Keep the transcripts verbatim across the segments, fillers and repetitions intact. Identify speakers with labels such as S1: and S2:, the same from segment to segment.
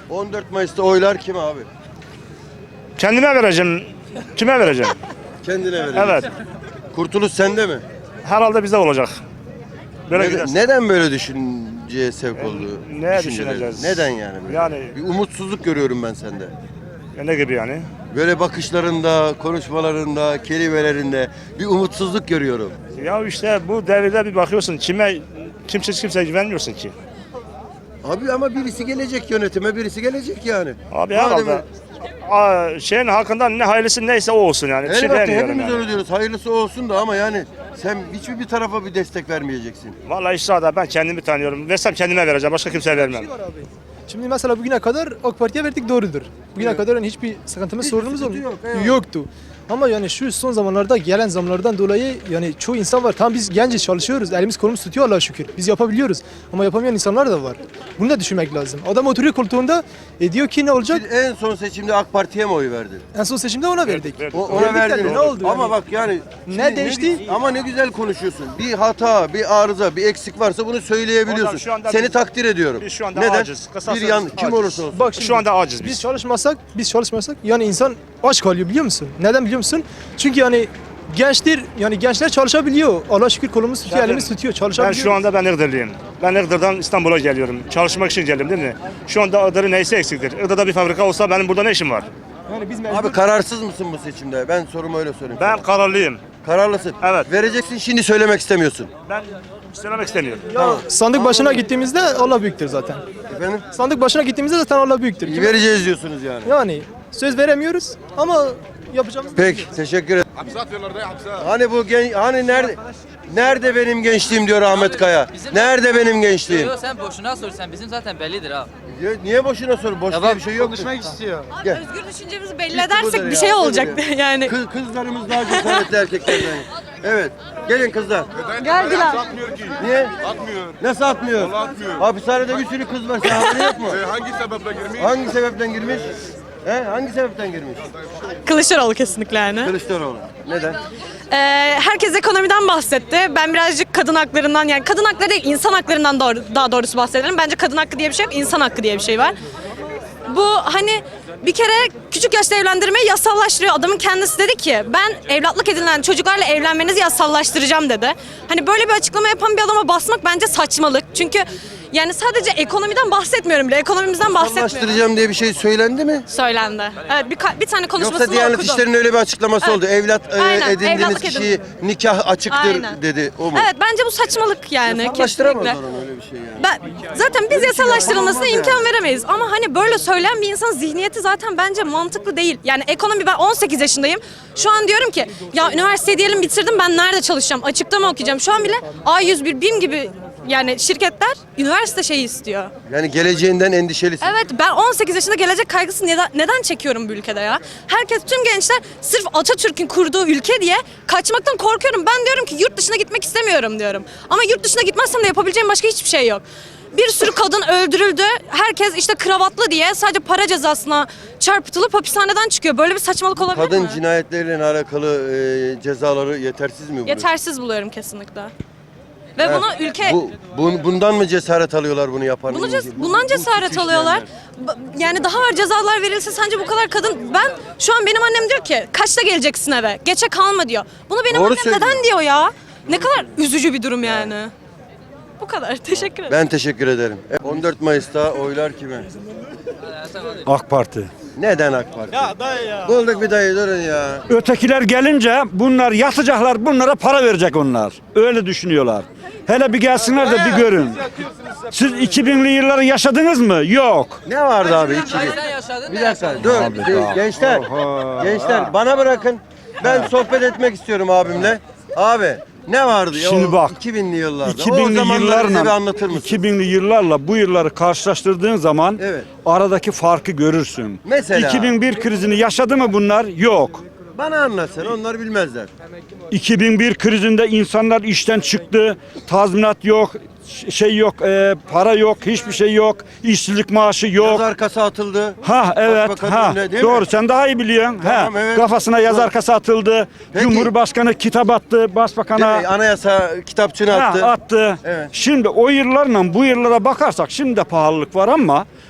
S1: on dört Mayıs'ta oylar kime abi?
S2: Kendime vereceğim. Kime vereceğim?
S1: Kendine vereceksin.
S2: Evet.
S1: Kurtuluş sende mi?
S2: Herhalde bize olacak. Böyle
S1: Neden,
S2: giderse.
S1: neden böyle düşünceye sevk oldu?
S2: Neye
S1: düşünceleri?
S2: düşüneceğiz?
S1: Neden yani? Böyle?
S2: Yani-
S1: Bir umutsuzluk görüyorum ben sende.
S2: Ya ne gibi yani?
S1: Böyle bakışlarında, konuşmalarında, kelimelerinde bir umutsuzluk görüyorum.
S2: Ya işte bu devirde bir bakıyorsun kime kimse kimseye güvenmiyorsun ki.
S1: Abi ama birisi gelecek yönetime, birisi gelecek yani.
S2: Abi
S1: Madem-
S2: herhalde Aa, şeyin hakkından ne hayırlısı neyse o olsun yani. Bir şey
S1: Elbette
S2: demiyorum
S1: hepimiz
S2: yani.
S1: öyle diyoruz. Hayırlısı olsun da ama yani sen hiçbir bir tarafa bir destek vermeyeceksin.
S2: Vallahi işte ben kendimi tanıyorum. Versem kendime vereceğim. Başka kimseye vermem.
S3: Şimdi mesela bugüne kadar AK Parti'ye verdik, doğrudur. Bugüne
S1: Evet.
S3: kadar yani hiçbir sıkıntımız,
S1: Hiçbir
S3: sorunumuz
S1: sıkıntı
S3: olmuyor.
S1: yok, eyvallah.
S3: Yoktu. Ama yani şu son zamanlarda gelen zamlardan dolayı yani çoğu insan var. Tam biz genciz, çalışıyoruz. Elimiz kolumuz tutuyor Allah'a şükür. Biz yapabiliyoruz. Ama yapamayan insanlar da var. Bunu da düşünmek lazım. Adam oturuyor koltuğunda e, diyor ki ne olacak?
S1: Siz en son seçimde AK Parti'ye mi oy verdin?
S3: En son seçimde ona verdik.
S2: verdik.
S1: O, ona
S3: Verdik de
S1: verdiniz.
S3: ne oldu
S1: Ama
S3: yani?
S1: bak yani
S3: Ne
S1: şimdi
S3: değişti?
S1: gü- ama ne güzel konuşuyorsun. Bir hata, bir arıza, bir eksik varsa bunu söyleyebiliyorsun.
S2: Hocam şu anda
S1: Seni
S2: biz-
S1: takdir ediyorum.
S2: biz şu anda
S1: Neden?
S2: aciz. Kısacası
S1: Bir yan kim
S2: aciz.
S1: olursa olsun.
S3: Bak şimdi,
S2: Şu anda aciz biz.
S3: Biz çalışmasak, biz çalışmasak yani insan aç kalıyor, biliyor musun? Neden biliyor musun? Çünkü yani gençler yani gençler çalışabiliyor. Allah'a şükür kolumuz tutuyor,
S2: Zaten
S3: elimiz tutuyor,
S2: Ben
S3: çalışabiliyor.
S2: şu anda ben Iğdırlıyım. Ben Iğdır'dan İstanbul'a geliyorum. Çalışmak için geldim değil mi? Şu anda Iğdır'ın neyse eksiktir. Iğdır'da bir fabrika olsa benim burada ne işim var?
S3: yani biz mecbur-
S1: Abi kararsız mısın bu seçimde? Ben sorumu öyle sorayım.
S2: Ben
S1: sana.
S2: kararlıyım.
S1: Kararlısın.
S2: Evet.
S1: Vereceksin, şimdi söylemek istemiyorsun.
S2: Ben söylemek istemiyorum.
S3: Ya sandık başına gittiğimizde Allah büyüktür zaten.
S1: Efendim?
S3: Sandık başına gittiğimizde zaten Allah büyüktür. Kime-
S1: Vereceğiz diyorsunuz yani.
S3: Yani söz veremiyoruz ama yapacağımız
S1: Peki, teşekkür ederim. Hani bu gen hani nerede nerede benim gençliğim diyor Ahmet Kaya. Nerede benim gençliğim?
S4: Yok sen boşuna sor, sen bizim zaten bellidir ha.
S1: Ya niye boşuna sor? Boş diye bir şey yok.
S3: istiyor.
S1: Gel.
S5: Özgür düşüncemizi belli
S1: Bitti budur
S5: edersek bir
S1: ya,
S5: şey
S1: budur
S5: olacaktı
S1: ya.
S5: yani.
S1: Kız, kızlarımız daha cesaretli erkeklerden. Evet. Gelin kızlar.
S5: Geldiler.
S1: Niye? Atmıyor. Nasıl atmıyor? Atmıyor. Hapishanede bir sürü kız var. Sen haberin yok mu?
S6: Hangi sebeple girmiş?
S1: Hangi sebepten girmiş? He? Hangi sebepten girmiş?
S5: Kılıçdaroğlu kesinlikle yani.
S1: Kılıçdaroğlu. Neden?
S5: Ee, herkes ekonomiden bahsetti. Ben birazcık kadın haklarından yani kadın hakları değil insan haklarından doğru, daha doğrusu bahsedelim. Bence kadın hakkı diye bir şey yok, insan hakkı diye bir şey var. Bu hani bir kere küçük yaşta evlendirmeyi yasallaştırıyor. Adamın kendisi dedi ki ben evlatlık edinilen çocuklarla evlenmenizi yasallaştıracağım dedi. Hani böyle bir açıklama yapan bir adama basmak bence saçmalık. Çünkü yani sadece ekonomiden bahsetmiyorum bile. Ekonomimizden bahsetmiyorum.
S1: Anlaştıracağım diye bir şey söylendi mi?
S5: Söylendi. Evet bir, ka- bir tane konuşmasını
S1: Yoksa Diyanet
S5: okudum.
S1: İşleri'nin öyle bir açıklaması
S5: Evet.
S1: oldu. Evlat e,
S5: Aynen,
S1: edindiğiniz
S5: evlatlık
S1: kişiyi nikah açıktır
S5: Aynen.
S1: dedi. O mu?
S5: Evet bence bu saçmalık yani
S1: Yasallaştıramazlar
S5: kesinlikle.
S1: onu, öyle bir şey yani.
S5: Ben, zaten biz yasallaştırılmasına
S1: yapamaz
S5: imkan
S1: yani.
S5: veremeyiz. Ama hani böyle söyleyen bir insanın zihniyeti zaten bence mantıklı değil. Yani ekonomi ben on sekiz yaşındayım. Şu an diyorum ki ya üniversiteyi diyelim bitirdim ben nerede çalışacağım? Açıkta mı okuyacağım? Şu an bile A yüz bir, BİM gibi yani şirketler üniversite şeyi istiyor.
S1: Yani geleceğinden endişelisin.
S5: Evet ben on sekiz yaşında gelecek kaygısı neden, neden çekiyorum bu ülkede ya? Herkes tüm gençler sırf Atatürk'ün kurduğu ülke diye kaçmaktan korkuyorum. Ben diyorum ki yurt dışına gitmek istemiyorum diyorum. Ama yurt dışına gitmezsem de yapabileceğim başka hiçbir şey yok. Bir sürü kadın öldürüldü. Herkes işte kravatlı diye sadece para cezasına çarpıtılıp hapishaneden çıkıyor. Böyle bir saçmalık olabilir
S1: Kadın
S5: mi?
S1: cinayetleriyle alakalı e, cezaları yetersiz mi buluyorsun?
S5: Yetersiz buluyorum kesinlikle. Ve
S1: Ha,
S5: bunu ülke
S1: Bu, bun- bundan mı cesaret alıyorlar bunu yapan?
S5: Bunu
S1: Bu-
S5: ces-
S1: bu-
S5: bundan
S1: bu
S5: cesaret
S1: suçu
S5: alıyorlar.
S1: işleyenler.
S5: Ba- Yani daha ağır cezalar verilse sence bu kadar kadın... Ben şu an benim annem diyor ki kaçta geleceksin eve? Geçe kalma diyor. Bunu benim
S1: Doğru
S5: annem
S1: söylüyor.
S5: neden diyor ya? Ne kadar üzücü bir durum yani. Bu kadar. Teşekkür ederim.
S1: Ben teşekkür ederim. E, on dört Mayıs'ta oylar kime?
S7: AK Parti.
S1: Neden AK Parti? Ya dayı ya. Bulduk bir dayı durun ya.
S7: Ötekiler gelince bunlar yatacaklar, bunlara para verecek onlar. Öyle düşünüyorlar. Hele bir gelsinler de bir görün. Siz iki binli yılları yaşadınız mı? Yok.
S1: Ne vardı abi iki bin?
S4: Sen yaşadın
S1: Bir
S4: ne
S1: dakika
S4: yaşadın?
S1: dur.
S7: Abi
S1: Bir-
S7: daha-
S1: gençler.
S7: Oha.
S1: Gençler bana bırakın. Ben sohbet etmek istiyorum abimle. Abi ne vardı ya
S7: Şimdi
S1: o
S7: bak,
S1: iki binli yıllarda?
S7: iki
S1: o
S7: binli
S1: zamanları bize bir
S7: yıllarla
S1: anlatır mısın?
S7: iki binli yıllarla bu yılları karşılaştırdığın zaman
S1: Evet.
S7: aradaki farkı görürsün.
S1: Mesela?
S7: iki bin bir krizini yaşadı mı bunlar? Yok.
S1: Bana anlat sen, onlar bilmezler.
S7: iki bin bir krizinde insanlar işten çıktı, tazminat yok, ş- şey yok, e, para yok, hiçbir şey yok, işsizlik maaşı yok.
S1: Yaz arkası atıldı.
S7: Ha evet,
S1: Başbakanın
S7: ha
S1: önüne, değil
S7: doğru
S1: mi?
S7: sen daha iyi biliyorsun.
S1: Tamam,
S7: ha
S1: evet.
S7: kafasına yazar
S1: Doğru.
S7: kasa atıldı.
S1: Peki.
S7: Cumhurbaşkanı kitap attı, başbakana
S1: Değil mi? Anayasa kitapçığını
S7: ha,
S1: attı.
S7: attı.
S1: Evet.
S7: Şimdi o yıllarla bu yıllara bakarsak şimdi de pahalılık var ama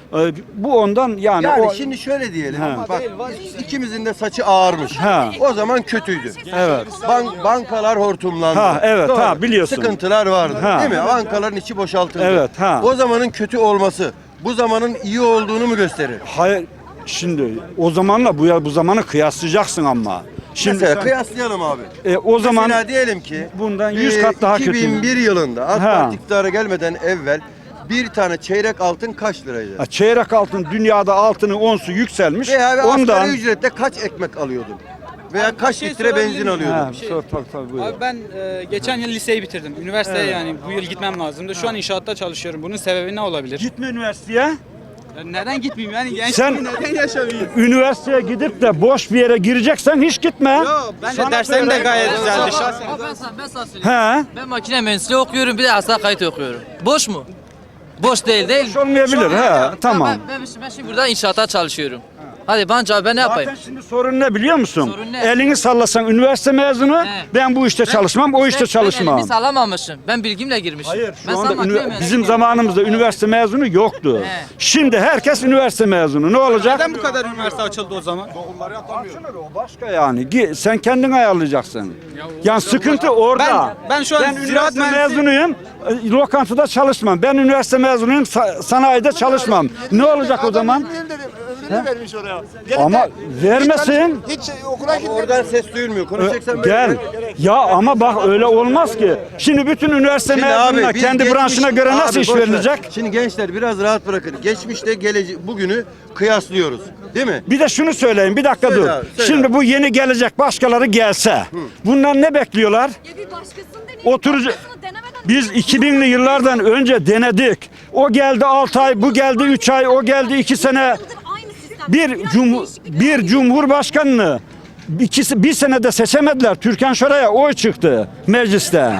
S7: E, bu ondan yani,
S1: Yani
S7: o,
S1: şimdi şöyle diyelim.
S7: Ha.
S1: Bak ikimizin de saçı ağarmış.
S7: Ha.
S1: O zaman kötüydü.
S7: evet.
S1: Bank, bankalar hortumlandı.
S7: Ha, evet,
S1: Doğru.
S7: ha, biliyorsun.
S1: Sıkıntılar vardı.
S7: Ha.
S1: Değil mi? Bankaların içi boşaltıldı.
S7: Evet, ha.
S1: O zamanın kötü olması bu zamanın iyi olduğunu mu gösterir?
S7: Hayır, şimdi o zamanla bu ya bu zamanı kıyaslayacaksın ama. Şimdi
S1: Mesela
S7: sen-
S1: kıyaslayalım abi.
S7: e, o zaman
S1: Mesela diyelim ki
S7: bundan yüz
S1: e,
S7: kat daha kötü.
S1: iki bin bir yılında AK
S7: Ha.
S1: Parti iktidara gelmeden evvel bir tane çeyrek altın kaç liraydı?
S7: Ha, çeyrek altın, dünyada altının onsu yükselmiş.
S1: Veya bir
S7: Ondan
S1: asgari ücretle kaç ekmek alıyordun? Veya kaç
S6: şey
S1: litre
S6: sorabilir
S1: benzin
S6: miyim?
S1: alıyordun?
S7: Ha, sor, tabii, tabii, buyur.
S6: Abi ben e, geçen yıl liseyi bitirdim. Üniversiteye yani bu yıl gitmem lazımdı. Şu an inşaatta çalışıyorum. Bunun sebebi ne olabilir?
S7: Gitme üniversiteye.
S6: Ya neden gitmeyeyim yani gençliği
S7: Sen-
S6: neden yaşamayayım?
S7: Üniversiteye gidip de boş bir yere gireceksen hiç gitme.
S6: Yo, ben de
S7: Sana
S6: derslerim de
S7: söyleyeyim.
S6: gayet güzeldi şahsen.
S4: Abi ben sana, ben sana söyleyeyim.
S7: He.
S4: Ben makine mühendisliği okuyorum bir de asla kayıt okuyorum. Boş mu? Boş değil değil.
S7: Boş olmayabilir, he, tamam.
S4: Ben, ben, ben şimdi burada inşaata çalışıyorum. Hadi bana cevap ben ne yapayım?
S7: Zaten şimdi sorun ne biliyor musun?
S4: Sorun ne?
S7: Elini sallasan üniversite mezunu,
S4: He.
S7: ben bu işte çalışmam, o işte
S4: Ben-
S7: çalışmam.
S4: Ben elimi sallamamışım. Ben bilgimle girmişim.
S7: Hayır,
S4: ben
S7: şu
S4: sana
S7: anda
S4: makine
S7: ünivers-
S4: mühendisliği
S7: bizim
S4: yapıyorum.
S7: zamanımızda üniversite mezunu yoktu.
S4: He.
S7: Şimdi herkes üniversite mezunu. Ne olacak?
S6: Neden bu kadar üniversite açıldı o zaman?
S7: Açılır, o başka yani. Gi- Sen kendin ayarlayacaksın. Yani sıkıntı orada.
S6: Ben- ben şu an
S7: ben
S6: ziraat
S7: üniversite
S6: mühendisi-
S7: mezunuyum. e, Lokantada çalışmam. Ben üniversite mezunuyum. sa- sanayide çalışmam. Ne olacak o zaman?
S8: vermiş oraya.
S7: Ama vermesin.
S8: Hiç okula gitmedi.
S1: Oradan ses duyulmuyor. Konuşacaksan böyle.
S7: Gel. Ya ama bak öyle olmaz ki. Şimdi bütün üniversite
S1: Şimdi
S7: mezununa
S1: abi, biz
S7: kendi
S1: geçmiş-
S7: branşına göre
S1: Abi
S7: nasıl iş
S1: boş ver.
S7: verilecek?
S1: Şimdi gençler biraz rahat bırakın. Geçmişte gelece bugünü kıyaslıyoruz. Değil mi?
S7: Bir de şunu söyleyeyim, bir dakika
S1: Söyle
S7: dur.
S1: abi, söyle
S7: Şimdi
S1: abi.
S7: bu yeni gelecek başkaları gelse, bunlar ne bekliyorlar?
S5: Ya bir başkasını deneyin.
S7: Oturucu.
S5: başkasını denemeden
S7: Biz iki binli yıllardan önce denedik. O geldi altı ay, bu geldi üç ay, o geldi iki sene.
S5: aynı sistem.
S7: Bir
S5: Biraz
S7: cum
S5: değişiklik
S7: bir cumhurbaşkanını ikisi bir senede seçemediler. Türkan Şoray'a oy çıktı mecliste.
S5: Abi,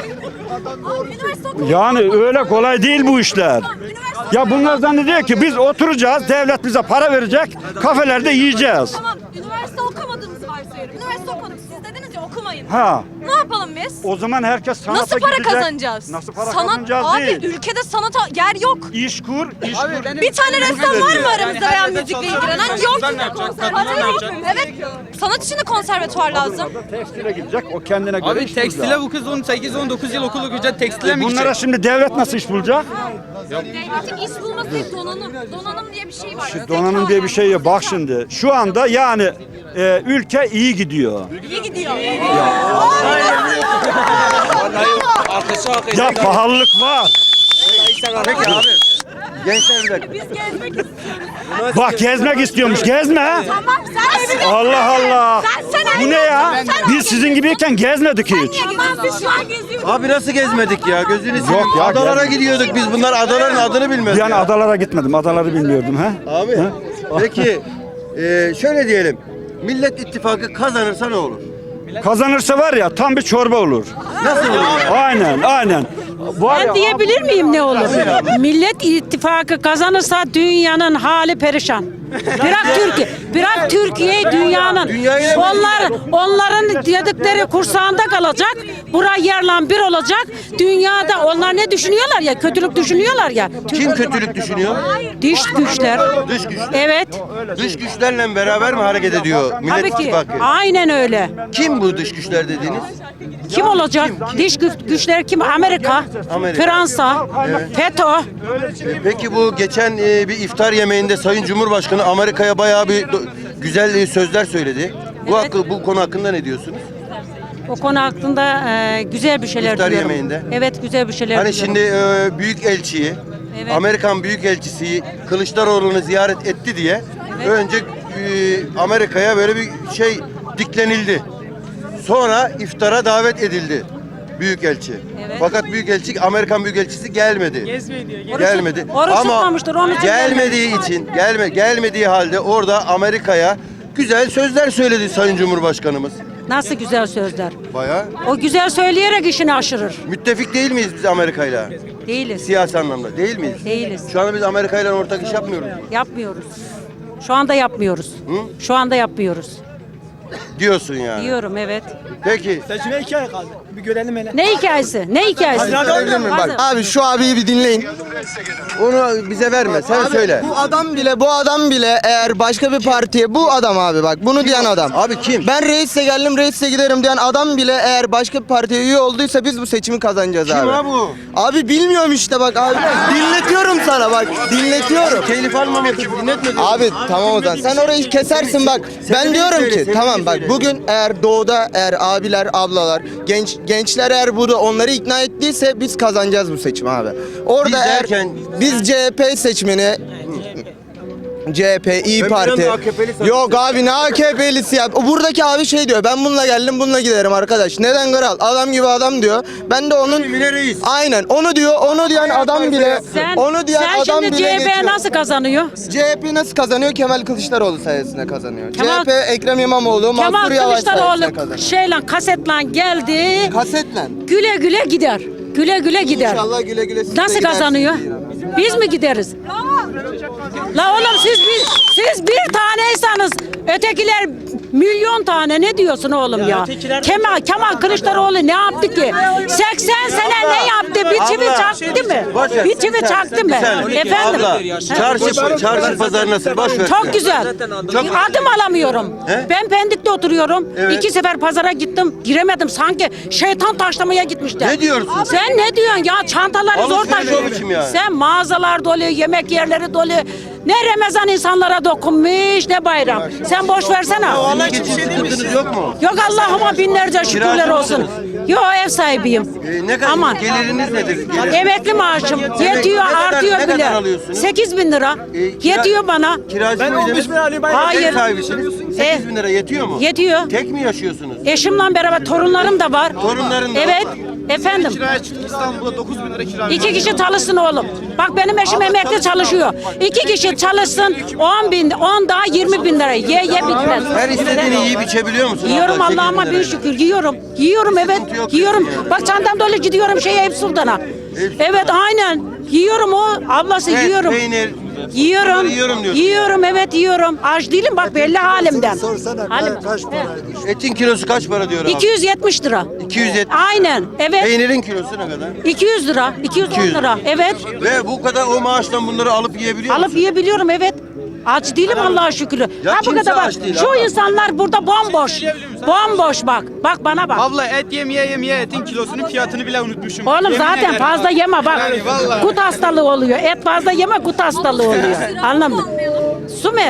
S5: üniversite okumak-
S7: Yani öyle kolay değil bu işler.
S5: Üniversite-
S7: Ya bunlar zannediyor ki biz oturacağız, devlet bize para verecek, kafelerde yiyeceğiz.
S5: Tamam, üniversite okumadığımızı varsayıyorum. Üniversite okumadık. Siz dediniz ya okumayın.
S7: Ha.
S5: Ne yapalım biz?
S7: O zaman herkes sanata
S5: Nasıl para
S7: gidecek.
S5: kazanacağız?
S7: Nasıl para
S5: Sanat,
S7: kazanacağız
S5: abi,
S7: değil.
S5: ülkede sanata yer yok.
S7: İş kur, iş kur.
S5: Bir tane ressam var mı aramızda veya
S6: her yerde
S5: müzikle
S6: çalışan
S5: ilgilenen?
S6: insan
S5: Yok.
S6: ne yapacak?
S5: Konservatuvar
S6: Kadınlar ne
S5: yok.
S6: yapacak?
S5: Evet. Sanat için de konservatuvar lazım.
S7: Tekstile gidecek, o kendine göre
S6: Abi
S7: iş
S6: tekstile
S7: bulacak.
S6: bu kız on sekiz on dokuz yıl okul okuyacak tekstile mi
S7: Bunlara
S6: gidecek?
S7: şimdi devlet nasıl iş bulacak?
S5: Devletin iş bulması değil, donanım. Donanım diye bir şey var. Zeka
S7: Donanım diye bir
S5: yani.
S7: şey yok. Bak
S5: Zeka.
S7: şimdi şu anda yani e, ülke iyi gidiyor.
S5: İyi gidiyor.
S7: Ya pahalılık var.
S1: Peki abi. Gençler bir dakika.
S5: Biz gezmek istiyoruz.
S7: Bak gezmek istiyormuş. Gezme.
S5: Tamam sen
S7: Allah Allah.
S5: Sen sen
S7: Bu ne ya? Biz sizin gibiyken gezmedik hiç.
S5: Tamam biz şu an geziyoruz.
S1: Abi nasıl gezmedik ya? Gözünü seveyim.
S7: ya,
S1: Adalara
S7: gel.
S1: gidiyorduk biz. Bunlar adaların adını bilmez.
S7: Yani
S1: ya.
S7: adalara gitmedim. Adaları bilmiyordum ha.
S1: Abi. Peki e, şöyle diyelim. Millet İttifakı kazanırsa ne olur?
S7: Kazanırsa var ya tam bir çorba olur.
S1: Nasıl olur?
S7: Aynen, aynen. Var ya,
S9: Ben diyebilir miyim ne olur? Millet İttifakı kazanırsa dünyanın hali perişan. Bırak Türkiye, bırak Türkiye'yi dünyanın.
S1: Dünyayı ne
S9: Onlar onların dedikleri kursağında kalacak. Buraya yerle bir olacak. Dünyada onlar ne düşünüyorlar ya? Kötülük düşünüyorlar ya.
S1: Kim kötülük düşünüyor?
S9: Dış güçler.
S1: Dış güçler.
S9: Evet.
S1: Dış güçlerle beraber mi hareket ediyor Millet
S9: Tabii ki.
S1: İttifakı?
S9: Aynen öyle.
S1: Kim bu dış güçler dediğiniz?
S9: Kim olacak? Dış güç, güçler kim? Amerika,
S1: Amerika.
S9: Fransa, FETÖ.
S1: E, Peki bu geçen e, bir iftar yemeğinde Sayın Cumhurbaşkanı Amerika'ya bayağı bir do- güzel e, sözler söyledi. Bu hakkı, bu konu hakkında ne diyorsunuz?
S9: O konu hakkında e, güzel bir şeyler
S1: İftar
S9: diliyorum.
S1: yemeğinde.
S9: Evet, güzel bir şeyler
S1: Hani
S9: diliyorum.
S1: şimdi e, büyük elçiyi,
S9: Evet.
S1: Amerikan büyük elçisi Kılıçdaroğlu'nu ziyaret etti diye önce e, Amerika'ya böyle bir şey diklenildi. Sonra iftara davet edildi büyükelçi.
S9: Evet.
S1: Fakat büyükelçi Amerikan büyükelçisi gelmedi. Gelmedi.
S9: Oruç
S1: Ama
S9: tutmamıştır, onun için
S1: gelmediği için, gelme gelmediği halde orada Amerika'ya güzel sözler söyledi Sayın Cumhurbaşkanımız.
S9: Nasıl güzel sözler.
S1: Bayağı
S9: O güzel söyleyerek işini aşırır.
S1: müttefik değil miyiz biz Amerika'yla?
S9: Değiliz.
S1: Siyasi anlamda değil miyiz?
S9: Değiliz.
S1: Şu anda biz Amerika'yla ortak iş yapmıyoruz.
S9: Yapmıyoruz. Şu anda yapmıyoruz. Şu anda yapmıyoruz.
S1: diyorsun yani.
S9: Diyorum evet.
S1: Peki.
S3: Seçime iki ay kaldı. Bir görelim hele.
S9: Ne hikayesi? Ne hikayesi?
S1: Görebilir miyim? Bak.
S10: Abi şu abiyi bir dinleyin.
S1: Onu bize verme. Sen söyle.
S10: Bu adam bile bu adam bile eğer başka bir partiye bu adam abi bak bunu diyen adam.
S1: Abi kim?
S10: Ben reisle geldim reisle giderim diyen adam bile eğer başka bir partiye üye olduysa biz bu seçimi kazanacağız
S1: Kim
S10: abi.
S1: ha bu?
S10: Abi bilmiyorum işte bak abi. Dinletiyorum sana bak. Dinletiyorum.
S1: Telif almamak için dinletme.
S10: Abi tamam o zaman sen orayı kesersin bak. Ben diyorum
S1: söyle,
S10: ki
S1: sen
S10: tamam
S1: beni
S10: bak
S1: söyle.
S10: bugün eğer doğuda eğer abiler ablalar genç gençler eğer burada onları ikna ettiyse biz kazanacağız bu seçimi abi. Orada
S1: Biz
S10: eğer
S1: derken-
S10: biz C H P seçmeni C H P, İyi
S1: Ben
S10: Parti.
S1: biraz da A K P'li sandım.
S10: Yok abi ne A K P'lisi ya. O buradaki abi şey diyor. Ben bununla geldim, bununla giderim arkadaş. Neden kral? Adam gibi adam diyor. Ben de onun
S1: Emine Reis.
S10: aynen onu diyor. Onu diyen adam bile
S9: Sen,
S10: onu diyen
S9: sen
S10: adam
S9: şimdi
S10: bile
S9: C H P
S10: geçiyor.
S9: nasıl kazanıyor?
S10: C H P nasıl kazanıyor? Kemal Kılıçdaroğlu sayesinde kazanıyor.
S9: Kemal-
S10: C H P Ekrem İmamoğlu,
S9: Kemal
S10: Mansur Yavaş sayesinde
S9: Kılıçdaroğlu
S10: kazanıyor.
S9: şeyle kasetle geldi.
S10: Kasetle.
S9: Güle güle gider. Güle güle gider.
S10: İnşallah güle güle siz de
S9: Nasıl
S10: gidersiniz
S9: kazanıyor?
S10: diyorum.
S9: Biz mi gideriz? La oğlum siz bir, siz bir taneysanız ötekiler milyon tane ne diyorsun oğlum ya? Kemal, Kemal Kılıçdaroğlu ne yaptı ki? seksen sene ne yaptı? Bir çivi
S1: Abla,
S9: çaktı mı?
S1: boş ver.
S9: Bir çivi çaktı mı?
S1: Bir saniye.
S9: Efendim?
S1: Abla, çarşı, çarşı pazar nasıl? Boş ver.
S9: Çok güzel. Adım alamıyorum.
S1: He?
S9: Ben Pendik'te oturuyorum.
S1: Evet.
S9: İki sefer pazara gittim. Giremedim. Sanki şeytan taşlamaya gitmişler.
S1: Ne diyorsun?
S9: Sen ne diyorsun ya? Çantaları zor
S1: Alışveriş
S9: taşıyor.
S1: o biçim yani.
S9: Sen mağazalar dolu, yemek yerleri dolu. Ne Ramazan insanlara dokunmuş ne bayram. Sen boş versene.
S1: İyi geçim sıkıntınız yok mu?
S9: Yok Allah'ıma binlerce şükürler
S1: Kiracı
S9: olsun.
S1: mısınız?
S9: Yok ev sahibiyim.
S1: Ee, ne kadar
S9: Aman.
S1: geliriniz nedir? Gelir.
S9: Emekli maaşım yetiyor
S1: ne kadar-
S9: artıyor
S1: ne
S9: bile.
S1: kadar alıyorsunuz?
S9: sekiz bin lira.
S1: Ee, kira-
S9: Yetiyor bana.
S1: Kiracı
S3: Ben
S1: mıydınız?
S3: on beş bin alayım.
S9: Hayır.
S1: Ev sahibisiniz. sekiz bin lira yetiyor mu?
S9: Yetiyor.
S1: Tek mi yaşıyorsunuz?
S9: Eşimle beraber torunlarım da var.
S1: Torunların da
S9: Evet.
S1: var.
S9: Efendim.
S8: Kiraya çıktık İstanbul'da dokuz bin lira kira.
S9: İki kişi çalışsın oğlum. Bak benim eşim emekli çalışıyor. İki kişi çalışsın on bin, on daha yirmi bin lira. Ye ye bitmez.
S1: Her istediğini yiyip içebiliyor musun?
S9: Yiyorum
S1: abla,
S9: Allah'ıma
S1: sekiz bin
S9: bin
S1: lirayla?
S9: şükür yiyorum. Yiyorum evet.
S1: Sıkıntı yok
S9: Yiyorum.
S1: diyorsun yani.
S9: Bak çantam dolu gidiyorum şeye Eyüp Sultan'a. Evet aynen. Yiyorum o. Ablası
S1: Et,
S9: yiyorum.
S1: peynir.
S9: Yiyorum.
S1: bunları yiyorum diyorsun.
S9: Yiyorum evet yiyorum. Aç değilim bak belli halimden. Halim.
S1: Etin kilosu kaç para diyor abi?
S9: iki yüz yetmiş lira.
S1: iki yüz yetmiş.
S9: Aynen. Evet.
S1: Peynirin kilosu ne kadar?
S9: iki yüz lira. iki yüz on
S1: iki yüz.
S9: lira. Evet.
S1: Ve bu kadar o maaştan bunları alıp yiyebiliyor
S9: Alıp
S1: musun?
S9: yiyebiliyorum evet. Aç değilim Allah'a şükür.
S1: Ya
S9: Ha bu
S1: kimse
S9: kadar bak.
S1: aç değil
S9: Şu
S1: abla.
S9: insanlar burada bomboş. Bomboş bak. Bak bana bak.
S6: Abla et yemeye yemeye etin kilosunun fiyatını bile unutmuşum.
S9: Oğlum
S6: Yemin
S9: zaten
S6: ederim
S9: fazla
S6: bak.
S9: yeme bak.
S6: Yani vallahi.
S9: Gut hastalığı oluyor. Et fazla yeme gut hastalığı oluyor. Anladın mı? Su mu?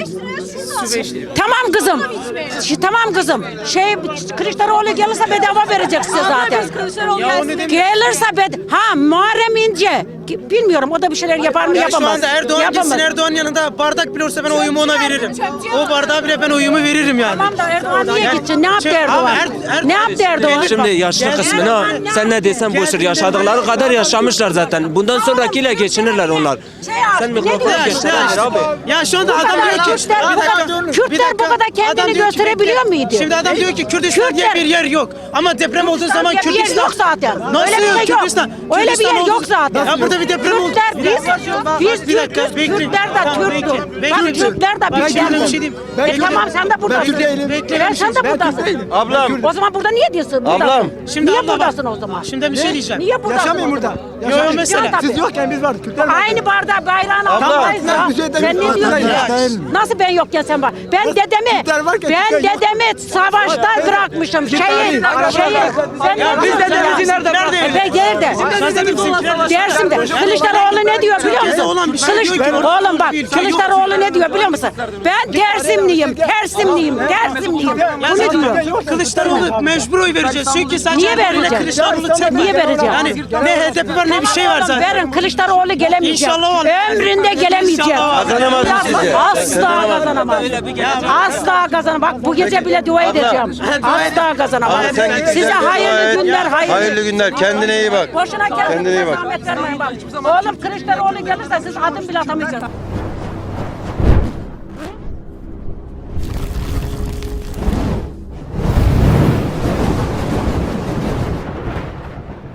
S9: Tamam kızım. Şi- tamam kızım. Şey Kılıçdaroğlu gelirse bedava verecek size zaten. Gelirse bed ha Muharrem İnce. Ki- Bilmiyorum o da bir şeyler yapar mı
S11: Ya
S9: yapamaz.
S11: şu anda Erdoğan
S9: Yapamaz.
S11: gitsin Erdoğan yanında bardak bile olsa ben oyumu ona veririm. O bardağı bile ben oyumu veririm yani.
S9: Tamam da Erdoğan niye
S11: Yani-
S9: gitsin? Ne yaptı
S11: Şey,
S9: Erdoğan?
S11: abi Er- Er-
S9: Ne yaptı Erdoğan?
S11: Şimdi
S12: yaşlı
S11: Geldi-
S12: kısmını ha, sen ne desen boşver, yaşadıkları kadar yaşamışlar zaten. Bundan sonrakiyle geçinirler onlar.
S9: Şey abi,
S12: Sen
S9: ne
S12: mikrofonu
S9: diyorsun?
S12: geçtir
S11: Ya,
S12: abi.
S11: ya şu anda
S9: Bu
S11: adam
S9: kadar
S11: diyor ki
S9: Kürtler bu
S11: Bir dakika,
S9: kadar-
S11: bir
S9: Kürtler bu
S11: dakika.
S9: kadar kendini
S11: Adam diyor ki,
S9: gösterebiliyor
S11: bekle.
S9: muydu?
S11: Şimdi adam diyor ki Kürdistan diye
S9: Kürtler-
S11: bir yer yok. Ama deprem olduğu zaman
S9: diye bir yer
S11: Kürdistan
S9: yok zaten.
S11: Nasıl
S9: Öyle bir
S11: yok?
S9: şey yok.
S11: Kürdistan.
S9: Öyle bir
S11: Kürdistan
S9: yer
S11: oldu.
S9: yok zaten.
S11: Ya burada bir deprem oldu.
S9: Kürtler
S11: Bir
S9: biz,
S11: dakika, bak,
S9: biz
S11: bir dakika,
S9: Türk'üz.
S11: bekle.
S9: Kürtler de
S11: Tamam,
S9: Türk'tür.
S11: bekle, bekle.
S9: Bak Kürtler de
S11: Bak,
S9: bizden.
S11: şimdi bir şey diyeyim.
S9: E
S11: Bekle.
S9: tamam sen de buradasın.
S11: Kürt değilim. Bekle,
S9: Ben
S11: bir şey
S9: sen de
S11: diyeyim.
S9: buradasın.
S1: Ablam.
S9: O zaman burada niye diyorsun?
S1: Ablam.
S9: Buradasın.
S11: Şimdi
S9: niye
S11: abla bak,
S9: buradasın o zaman?
S11: Şimdi bir şey diyeceğim.
S9: Niye buradasın?
S3: Yaşamıyorum
S9: o
S3: burada.
S9: zaman?
S11: Yo, yo, mesela.
S9: Tabii.
S3: Siz yokken biz vardık. Kürtler vardı.
S9: Aynı bardağı bayrağın altındayız
S3: Tamam,
S9: ya.
S3: biz yeter-
S9: Sen ne
S3: biz
S9: diyorsun
S3: yeter-
S9: ya?
S3: değil mi?
S9: Nasıl ben yokken sen var? Ben dedemi,
S3: Kürtler varken
S9: ben
S3: Kürtler yok.
S9: dedemi savaşta bırakmışım. Şeyin, şeyin. Sen
S11: Ya
S9: ne
S11: biz
S9: diyorsun
S11: dedemizi
S9: ya?
S11: nerede bıraktık?
S9: E, Ben nerede? Dersimde. Kılıçdaroğlu ne diyor biliyor musun?
S11: olan bir şey
S9: Kılıç,
S11: diyor ki orada
S9: oğlum bak
S11: bir ülke yok.
S9: Kılıçdaroğlu ne diyor biliyor musun? Ben Dersimliyim, Tersimliyim, Dersimliyim. Bu ne diyor?
S11: Kılıçdaroğlu mecbur oy vereceğiz. Çünkü sen
S9: Niye vereceğim?
S11: Kılıçdaroğlu tek
S9: Niye vereceğim?
S11: Yani ne H D P var ne bir şey var
S9: Oğlum
S11: zaten.
S9: verin Kılıçdaroğlu gelemeyecek.
S11: İnşallah olur.
S9: Ömründe gelemeyecek.
S11: İnşallah olur.
S1: Kazanamaz mı sizce?
S9: Asla kazanamaz. Asla kazanamaz. Bak bu gece bile dua edeceğim. Asla kazanamaz.
S1: Abla sen git.
S9: Size
S1: güzel bir dua
S9: hayırlı
S1: et.
S9: günler, hayırlı.
S1: Hayırlı günler. Kendine iyi bak.
S9: Boşuna
S1: Kendine iyi
S9: kendinize
S1: bak.
S9: zahmet vermeyin bak. Oğlum Kılıçdaroğlu gelirse siz adım bile atamayacaksınız.